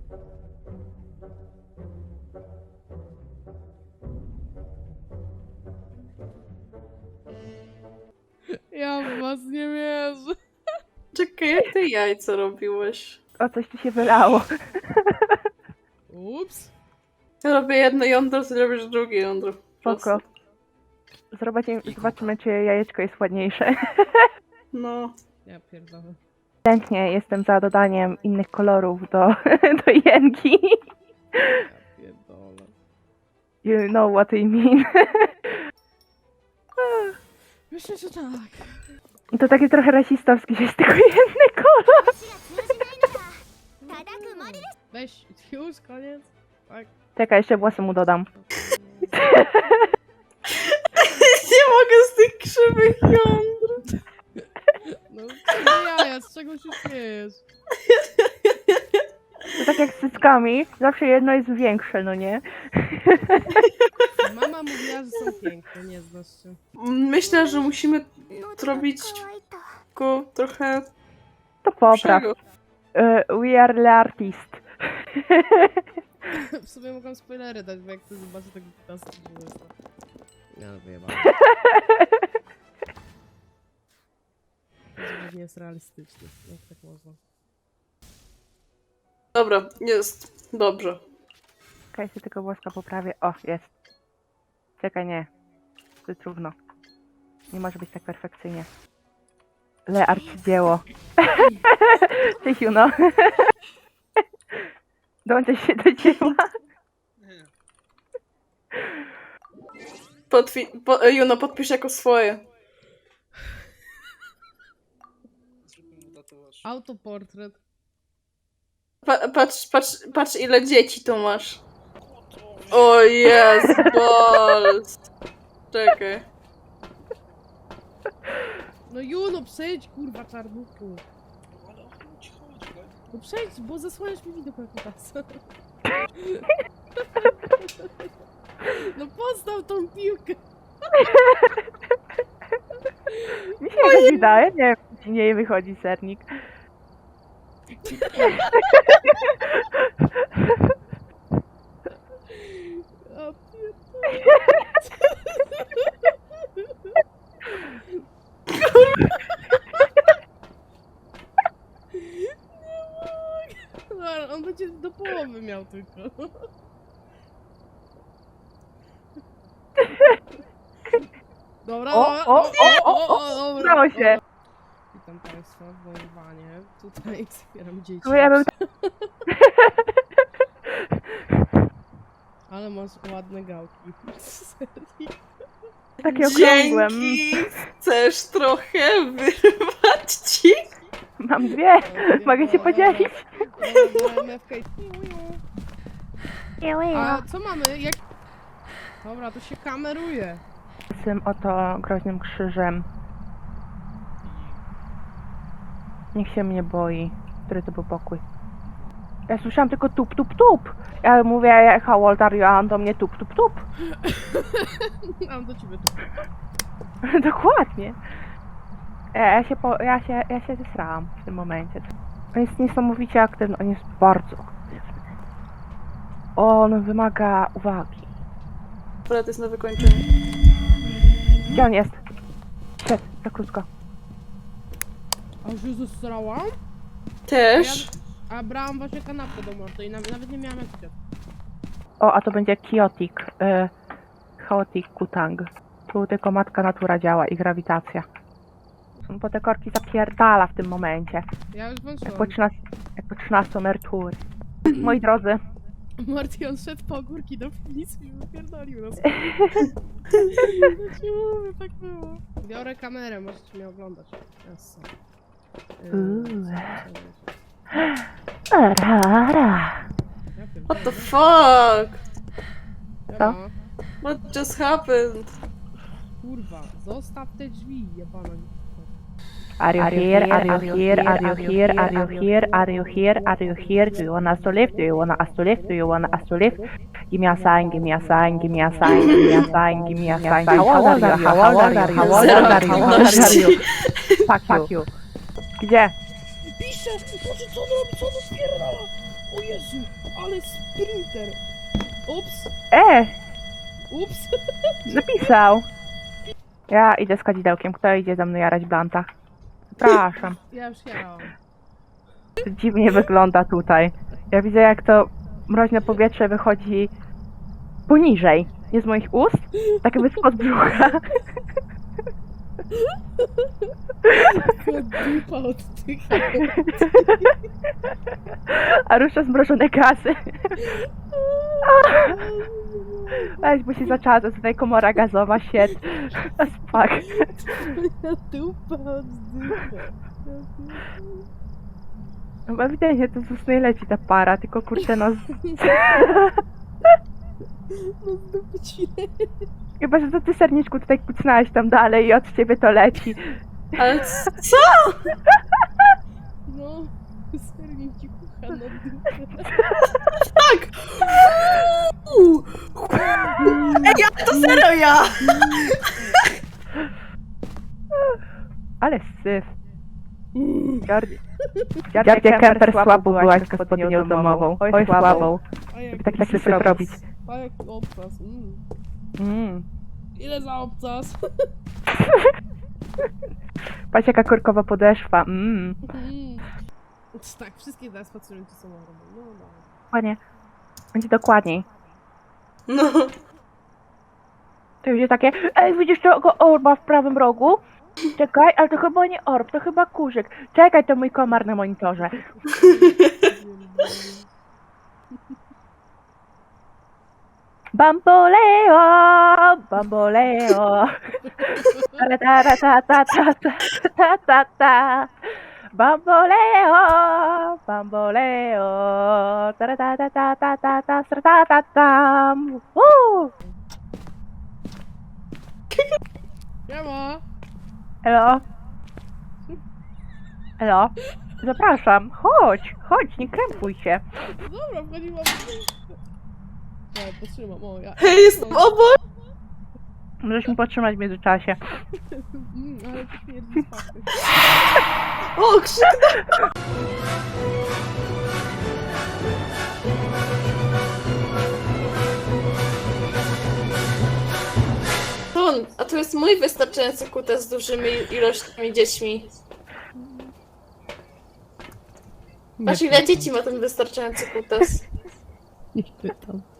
Ja w was nie wierzę. Czekaj, jak ty jajco robiłeś? O, coś tu się wylało. Ups. Ja robię jedno jądro, ty robisz drugie jądro. Spoko. Zobaczymy, czy jajeczko jest ładniejsze. No. Ja pierdolę. Chętnie jestem za dodaniem innych kolorów do jenki. Ja pierdolę. You know what I mean. Myślę, że tak. To takie trochę rasistowskie, że jest tylko jedny kolor. Weź, już, koniec. Tak. Czekaj, jeszcze włosy mu dodam. Nie mogę z tych krzywych jądr. No, co jaja, z czego się śmiejesz? To tak jak z cyckami, zawsze jedno jest większe, no nie? Mama mówiła, że są piękne, nie znasz się. Myślę, że musimy zrobić go trochę To popraw. lepszego. We are the artist. W sumie mogłam spoilery dać, bo jak ty zobaczysz tego 15 to... Ja wyjebałem. To nie jest realistyczny, jak tak można. Dobra, jest. Dobrze. Czekaj, się tylko włoska poprawię. O, jest. Czekaj, nie. To jest trudno. Nie może być tak perfekcyjnie. Le arcydzieło. Cześć, Juno. Dołączaj się do dzieła. Juno, podpisz jako swoje. Autoportret. Patrz ile dzieci tu masz. O jest, balls. Czekaj. No Juno, przejdź, kurwa, czarnuchu. No przejdź, bo zasłaniasz mi widok jak teraz. No postaw tą piłkę. Mi się jakoś wydaje, nie wiem, czy nie wychodzi sernik. O pierdolę. No, on będzie do połowy miał tylko. Dobra, O, udało się. Witam Państwa w moim wanie. Tutaj wspieram dzieci. No ja bym... Ale masz ładne gałki. Serio? Takie okrągłe. Dzięki. Chcesz trochę wyrwać ci? Mam dwie. Mogę się podzielić. A co mamy? Jak... Dobra, to się kameruje. Z tym oto groźnym krzyżem. Niech się mnie boi. Który to był pokój? Ja słyszałam tylko tup, tup, tup. Ja mówię, how old are you? A on do mnie tup, tup, tup. Mam do ciebie tu. Dokładnie. Ja się zesrałam w tym momencie. On jest niesamowicie aktywny. On jest bardzo aktywny. On wymaga uwagi. Dobra, to jest na wykończenie. Gdzie on jest? Szedł, za krótko. A już się zesrałam? Też. A brałam właśnie kanapkę do mordy i nawet nie miałam jak chcieć. O, a to będzie Chaotic. Chaotic Kutang. Tu tylko matka natura działa i grawitacja. Bo te korki zapierdala w tym momencie. Ja już Jak włączyłam. po 13 emerytury. Moi drodzy, Marty, on szedł po ogórki do piwnicy i wypierdolił nas. Ja ci mówię, tak było. Biorę kamerę, możecie mnie oglądać. Jasne. Rara. What the fuck? Co? What just happened? Kurwa, zostaw te drzwi, jebana. Are you here? Are you here? Are you here? Are you here? Are you here? Are you here? Do you want us to live? Do you want us to live? Do you want us to live? Give me a sign, give me a sign, give me a sign, give me a sign, give me a sign. How old are you? How old are you? How old are you? How old are you? Fuck you. Gdzie? Pisze! Boże, co on robi? Co on spierdala? O Jezu, ale sprinter. Ups, ups. Napisał. Ja idę z kadzidełkiem. Kto idzie ze mną jarać blanta? Przepraszam. Ja już jarałam. To dziwnie wygląda tutaj. Ja widzę, jak to mroźne powietrze wychodzi poniżej. Nie z moich ust, tak jakby spod brzucha. Tylko dupa oddycha. A rusza zmrożone gazy. Weź, bo się zaczęła tutaj komora gazowa, shit. Fuck. Moja dupa oddycha. No ewidentnie to z ust nie leci ta para, tylko kurczę no... No z dupy ci Chyba, że to ty serniczku tutaj kucnąłeś tam dalej i od ciebie to leci. Ale co? No, sernik ci kucha na dupę. Tak! Ej, ja to serio ja! Ale syf. Dziadzie Kemper słabo byłaś z gospodynią domową. Oj, słabą. A jak, Tak syf robić. a jak obcas. Mm. Ile za obcas? Patrz jaka korkowa podeszwa. Tak, wszystkie teraz pacjenci są robią. No, no. Panie, będzie dokładniej. No. To będzie takie, ej, widzisz tego orba w prawym rogu? Czekaj, ale to chyba nie orb, to chyba kurzyk. Czekaj, to mój komar na monitorze. Bamboleo, bamboleo. Ta ta ta ta ta ta ta ta. Bamboleo, bamboleo. Ta ta ta ta ta ta ta ta ta ta. Siema! Elo? Elo? Zapraszam, chodź, chodź, nie krępuj się. No dobra, wchodziłam. Ja potrzymam, o ja. Hej, jestem obok! Możesz mi podtrzymać w międzyczasie. Ale to śmierdzi z fakty. O, krzyk! A to jest mój wystarczający kutas z dużymi ilościami dziećmi. Patrz, ile dzieci ma ten wystarczający kutas. Nie pytam.